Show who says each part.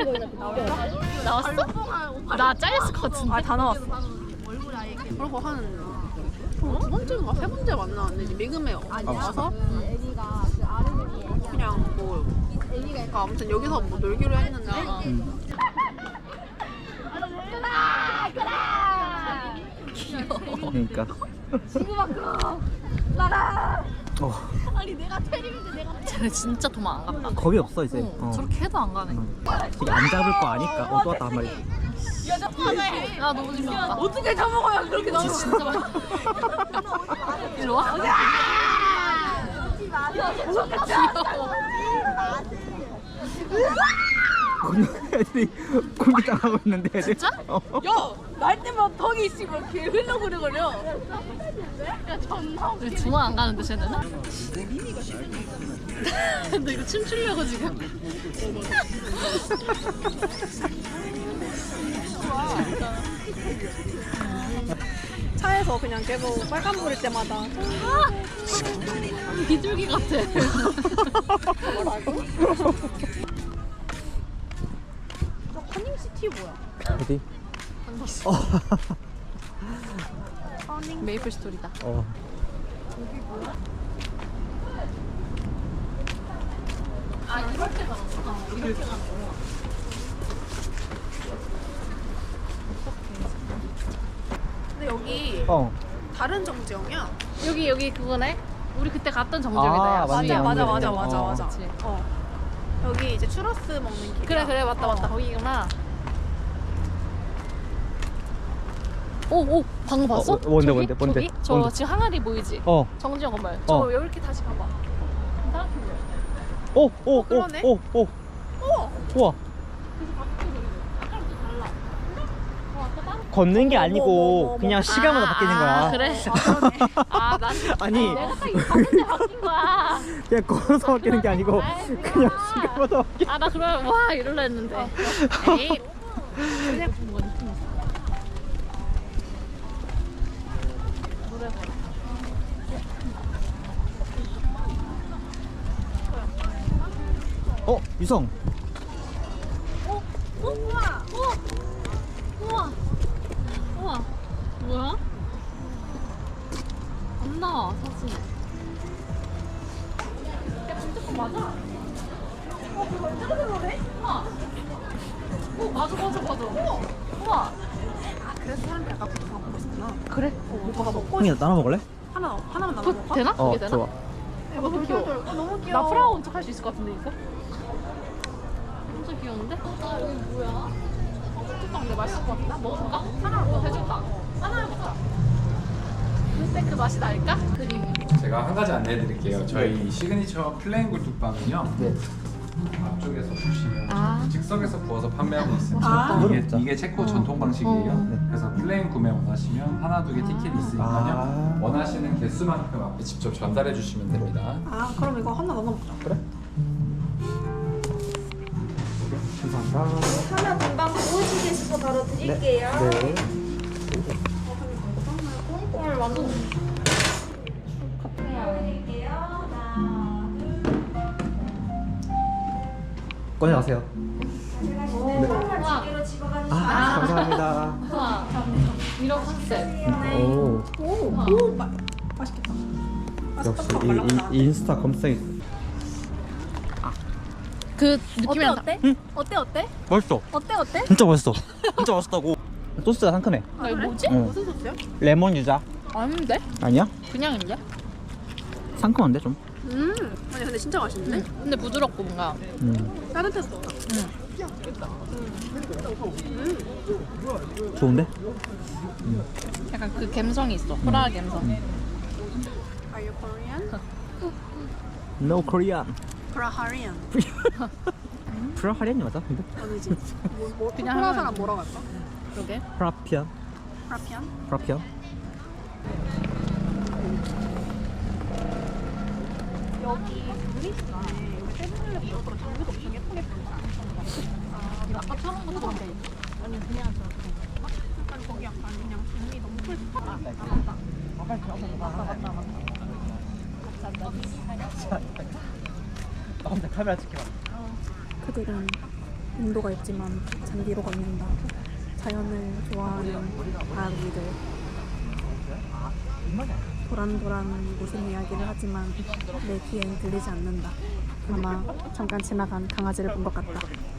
Speaker 1: 나왔어? 나 잘렸을 것 같은데.
Speaker 2: 아, 다 나왔어. 그리고 두 번째인가 세 번째 만나는데 이제 미금에 와서 그냥 뭐 그러니까 아무튼 여기서 뭐 놀기로 했는데
Speaker 3: 그러니까.
Speaker 1: 친구 밖으로 나가. 아니 내가 테리인데 내가. 쟤네 진짜 도망 안 간다.
Speaker 3: 겁이 없어 이제.
Speaker 1: 저렇게 해도 안 가네.
Speaker 3: 되게 안 잡을 거 아니까. 또 왔다 한 마리.
Speaker 1: 아 너무 재밌다.
Speaker 2: 어떻게 잡아가야 그렇게 나와?
Speaker 1: 진짜 많이. 일로 와.
Speaker 3: 애들이 공기 당하고 있는데 애들.
Speaker 1: 진짜?
Speaker 3: 어.
Speaker 2: 야! 날 때만 턱이 있으면 개 흘러그려거려.
Speaker 1: 우리 도망 안 가는데 쟤네는? 너 이거 춤추려고 지금?
Speaker 2: 차에서 그냥 계속 빨간불일 때마다
Speaker 1: 비둘기 같아.
Speaker 2: 뭐라고? 저 커닝시티 뭐야?
Speaker 3: 어디?
Speaker 1: 메이플 스토리다. 아 이럴 때 가는 거야? 이렇게 가는 거야?
Speaker 2: 근데 여기 다른 정지영이야?
Speaker 1: 여기 그거네? 우리 그때 갔던 정지역이다. 야.
Speaker 3: 맞네,
Speaker 2: 맞아.
Speaker 1: 그치.
Speaker 2: 여기 이제 추러스 먹는 길.
Speaker 1: 그래 맞다 거기구나. 오 방금 봤어?
Speaker 3: 뭔데?
Speaker 1: 저기? 저
Speaker 3: 뭔데?
Speaker 1: 지금 항아리 보이지?
Speaker 3: 어.
Speaker 1: 정지영 건물. 저 이렇게 다시 가봐.
Speaker 2: 그러네.
Speaker 3: 우와. 걷는 게 아니고 그냥 시간마다 바뀌는 거야.
Speaker 1: 그래? 아, 난
Speaker 3: 아니.
Speaker 1: 내가 딱 이거 봤는데 바뀐 거야.
Speaker 3: 그냥 걸어서 바뀌는 게 아니고 그냥 시간마다 바뀌.
Speaker 1: 아, 나 그러면 와 이럴라 했는데. 에이. 그냥 뭔 느낌 있어. 노래 봐.
Speaker 3: 유성.
Speaker 1: 우와. 뭐야? 안 나와 사진. 야 진짜 맞아? 그거 언제가 들어오네? 우와. 맞아. 우와.
Speaker 2: 아, 그래서 사람들이 아까 부터 먹고 있었구나.
Speaker 1: 그래?
Speaker 2: 오빠가 먹고
Speaker 3: 형이 나눠 먹을래?
Speaker 2: 하나만 나눠 먹을까?
Speaker 1: 되나? 그게 되나?
Speaker 3: 좋아.
Speaker 1: 너무 귀여워.
Speaker 2: 너무 귀여워.
Speaker 1: 나 프라운 척 할 수 있을 것 같은데 이거? 진짜 귀여운데? 아 여기 뭐야? 어묵국빵 근데 맛있을 것 같다. 먹어볼까? 하나 해줄까? 하나 해볼까? 근데 그 맛이 날까? 그림이.
Speaker 4: 제가 한 가지 안내해 드릴게요. 저희 시그니처 플레인 굴뚝빵은요.
Speaker 3: 네.
Speaker 4: 앞쪽에서 보시면 즉석에서 구워서 판매하고 있습니다.
Speaker 3: 아.
Speaker 4: 이게 체코 전통 방식이에요.
Speaker 3: 네.
Speaker 4: 그래서 플레인 구매 원하시면 하나 두 개 티켓이 있으니까요. 원하시는 개수만큼 앞에 직접 전달해 주시면 됩니다.
Speaker 2: 아, 그럼 이거 하나 넣어 먹자.
Speaker 3: 그래? 감사합니다.
Speaker 5: 하나 금방 구워지셔서 바로 드릴게요.
Speaker 3: 네.
Speaker 1: 헐 완전
Speaker 5: 드릴게요. 하나,
Speaker 3: 꺼내가세요.
Speaker 5: 제가 지금 선물 두 개로 집어가주시면
Speaker 3: 감사합니다.
Speaker 1: 우와 이런 컨셉.
Speaker 3: 오.
Speaker 2: 맛있겠다.
Speaker 3: 역시 이 인스타 검색.
Speaker 1: 그 느낌이
Speaker 2: 어때? 어때?
Speaker 3: 맛있어.
Speaker 2: 어때?
Speaker 3: 진짜 맛있어. 진짜 맛있다고. 소스가 상큼해.
Speaker 1: 아 이거 뭐지?
Speaker 2: 무슨 소스야?
Speaker 3: 레몬 유자.
Speaker 1: 아닌데?
Speaker 3: 아니야?
Speaker 1: 그냥인데?
Speaker 3: 상큼한데 좀.
Speaker 2: 아니 근데 진짜 맛있는데?
Speaker 1: 근데 부드럽고 뭔가
Speaker 2: 따뜻했어.
Speaker 3: 좋은데?
Speaker 1: 약간 그 감성이 있어. 프라하 감성.
Speaker 2: Are you Korean?
Speaker 3: No Korean.
Speaker 2: Korean.
Speaker 3: 프라하리안이 맞아? 근데?
Speaker 2: 아니지.
Speaker 1: 그냥
Speaker 2: 프라
Speaker 1: 하면-
Speaker 2: 사람 뭐라고 할까?
Speaker 1: 그러게.
Speaker 3: 프라피안.
Speaker 2: 프라피안?
Speaker 3: 프라피안.
Speaker 2: 여기 그리스네. 여기 세븐일레븐 옆으로 장비도 엄청 예쁘게 보인다.
Speaker 1: 아, 이거 아까 처음 본 건데. 아니 그냥
Speaker 2: 약간 거기 약간 그냥 장비 너무 풀.
Speaker 3: 나 카메라 찍히라.
Speaker 2: 그들은
Speaker 6: 인도가 있지만 잔디로 걷는다. 자연을 좋아하는 아기들. 도란도란 무슨 이야기를 하지만 내 귀엔 들리지 않는다. 아마 잠깐 지나간 강아지를 본 것 같다.